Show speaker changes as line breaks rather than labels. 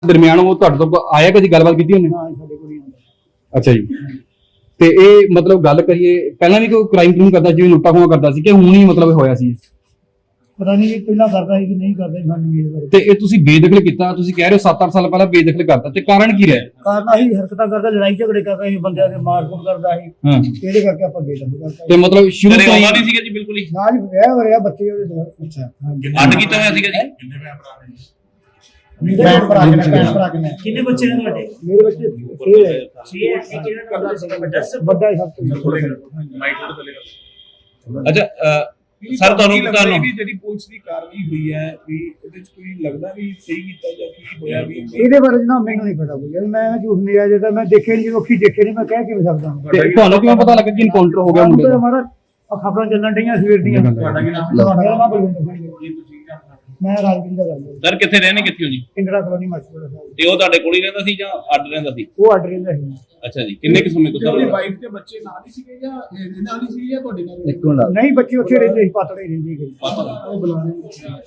ਦਰਮਿਆਨ ਉਹ ਤੁਹਾਡੇ ਤੋਂ ਆਇਆ ਕਦੀ ਗੱਲਬਾਤ ਕੀਤੀ ਉਹਨੇ?
ਨਾ ਸਾਡੇ ਕੋਲ ਨਹੀਂ ਆਉਂਦਾ।
ਅੱਛਾ ਜੀ। ਤੇ ਇਹ ਮਤਲਬ ਗੱਲ ਕਰੀਏ ਪਹਿਲਾਂ ਵੀ ਕੋਈ ਕ੍ਰਾਈਮ ਕਰਦਾ ਜਿਵੇਂ ਲੁੱਟਾ ਖੋਹਾਂ ਕਰਦਾ ਸੀ ਕਿ ਹੁਣ ਹੀ ਮਤਲਬ ਹੋਇਆ ਸੀ?
ਪਤਾ ਨਹੀਂ ਪਹਿਲਾਂ ਕਰਦਾ ਸੀ ਕਿ ਨਹੀਂ ਕਰਦਾ ਸੀ, ਸਾਨੂੰ ਨਹੀਂ ਪਤਾ।
ਤੇ ਇਹ ਤੁਸੀਂ ਬੇਦਖਲ ਕੀਤਾ, ਤੁਸੀਂ ਕਹਿ ਰਹੇ ਹੋ 7-8 ਸਾਲ ਪਹਿਲਾਂ ਬੇਦਖਲ ਕਰਤਾ, ਤੇ ਕਾਰਨ ਕੀ ਰਿਹਾ?
ਕਾਰਨ ਆਹੀ ਹਰਕਤਾਂ ਕਰਦਾ, ਲੜਾਈ ਝਗੜੇ ਕਰਦਾ ਸੀ, ਬੰਦਿਆਂ ਦੇ ਮਾਰਕੁੱਟ ਕਰਦਾ ਸੀ,
ਹਾਂ।
ਇਹਦੇ ਕਰਕੇ ਆਪਾਂ ਬੇਦਖਲ ਕਰਤਾ।
ਤੇ ਮਤਲਬ ਸ਼ੁਰੂ ਤੋਂ
ਆਉਂਦਾ ਨਹੀਂ ਸੀਗਾ ਜੀ ਬਿਲਕੁਲ ਹੀ?
ਨਾ ਜੀ ਵਿਆਹ ਹੋ ਰਿਹਾ, ਬੱਚੇ ਉਹਦੇ ਦੋ। ਅੱਛਾ
ਅੱਡ ਕੀਤਾ ਹੋਇਆ ਸੀਗਾ ਜੀ? ਕਿੰਨੇ ਭੈਣ ਭਰਾ ਨੇ?
ਕਿੰਨੇ ਬੱਚੇ ਨੇ ਤੁਹਾਡੇ? ਮੇਰੇ ਬੱਚੇ 6 ਹੈ। 6 ਹੈ। ਕਿਹੜਾ ਕਰਦਾ ਸੀਗਾ ਵੱਡਾ? ਵੱਡਾ ਹੀ ਸਭ ਤੋਂ।
ਅੱਛਾ ਸਰ ਤੁਹਾਨੂੰ
ਜਿਹੜੀ ਪੁਲਿਸ ਦੀ ਕਾਰਵਾਈ ਹੋਈ ਹੈ ਵੀ ਇਹਦੇ ਚ ਕੋਈ ਲੱਗਦਾ ਵੀ ਸਹੀ ਕੀਤਾ ਜਾਂ ਕੀ ਹੋਇਆ ਵੀ?
ਇਹਦੇ ਬਾਰੇ ਨਾ ਮੈਨੂੰ ਨਹੀਂ ਪਤਾ ਕੋਈ, ਮੈਂ ਝੂਠ ਨਹੀਂ ਆ ਜਾਂਦਾ, ਮੈਂ ਦੇਖੇ ਨਹੀਂ, ਅੱਖੀ ਦੇਖੇ ਨਹੀਂ, ਮੈਂ ਕਹਿ ਕਿਵੇਂ ਸਕਦਾ?
ਤੇ ਤੁਹਾਨੂੰ ਕਿਵੇਂ ਪਤਾ ਲੱਗਾ ਕਿ ਇਨਕਾਊਂਟਰ ਹੋ ਗਿਆ ਮੁੰਡੇ ਦਾ?
ਹਮਾਰਾ ਖਬਰਾਂ ਚੱਲਣ ਡਈਆਂ ਸਵੇਰ ਦੀਆਂ।
ਤੁਹਾਡਾ ਕੀ ਨਾਮ?
ਮੈਂ ਰਾਜਵਿੰਦਰ ਦਾ ਗੱਲ
ਸਰ ਕਿੱਥੇ ਰਹਿੰਦੇ, ਕਿੱਥੇ ਹੋ ਜੀ?
ਇੰਦਰਾ ਕਲੋਨੀ ਮਾਛੀਵਾੜਾ ਸਾਹਿਬ।
ਤੇ ਉਹ ਤੁਹਾਡੇ ਕੋਲ ਹੀ ਰਹਿੰਦਾ ਸੀ ਜਾਂ ਅੱਡ ਰਹਿੰਦਾ ਸੀ?
ਉਹ ਆਰਡਰ ਰਹਿੰਦਾ ਸੀ।
ਅੱਛਾ ਜੀ। ਕਿੰਨੇ ਕੁ ਸਮੇਂ ਤੋਂ
ਤੁਹਾਡੀ
ਸਰ?
ਵਾਈਫ ਤੇ ਬੱਚੇ ਨਾਲ ਹੀ ਸੀਗੇ ਜਾਂ ਇਹਦੇ ਨਾਲ ਹੀ ਸੀ ਜਾਂ ਤੁਹਾਡੇ ਨਾਲ?
ਨਹੀਂ, ਬੱਚੇ ਉੱਥੇ ਰਹਿੰਦੇ ਸੀ, ਪਾਤੜੇ ਰਹਿੰਦੇ ਸੀ।
ਉਹ ਬੁਲਾਣੇ